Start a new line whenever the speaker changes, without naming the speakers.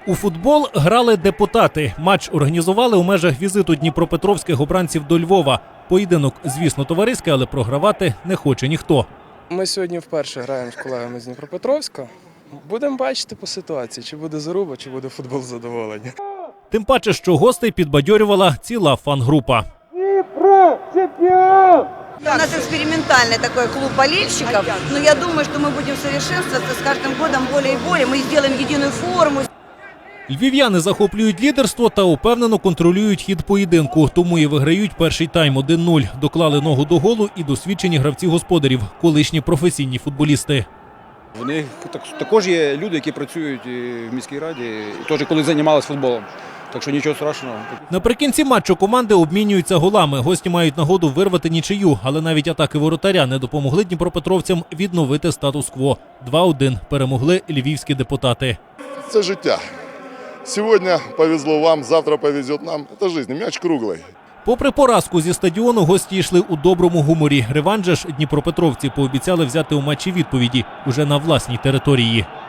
У футбол грали депутати. Матч організували у межах візиту дніпропетровських обранців до Львова. Поєдинок, звісно, товариський, але програвати не хоче ніхто.
Ми сьогодні вперше граємо з колегами з Дніпропетровська. Будемо бачити по ситуації, чи буде заруба, чи буде футбол задоволення.
Тим паче, що гостей підбадьорювала ціла фан-група.
У нас экспериментальный такой клуб болельщиков, но я думаю, что мы будем совершенствоваться с каждым годом более и более. Мы сделаем единую форму.
Львів'яни захоплюють лідерство та упевнено контролюють хід поєдинку, тому і виграють перший тайм 1-0. Доклали ногу до голу і досвідчені гравці господарів, колишні професійні футболісти.
В них також є люди, які працюють в міській раді, і теж коли займалися футболом. Так що нічого страшного.
Наприкінці матчу команди обмінюються голами. Гості мають нагоду вирвати нічию, але навіть атаки воротаря не допомогли дніпропетровцям відновити статус-кво. 2-1 перемогли львівські депутати.
Це життя. Сьогодні повезло вам, завтра повезе нам. Це життя, м'яч круглий.
Попри поразку зі стадіону, гості йшли у доброму гуморі. Реванш ж дніпропетровці пообіцяли взяти у матчі відповіді уже на власній території.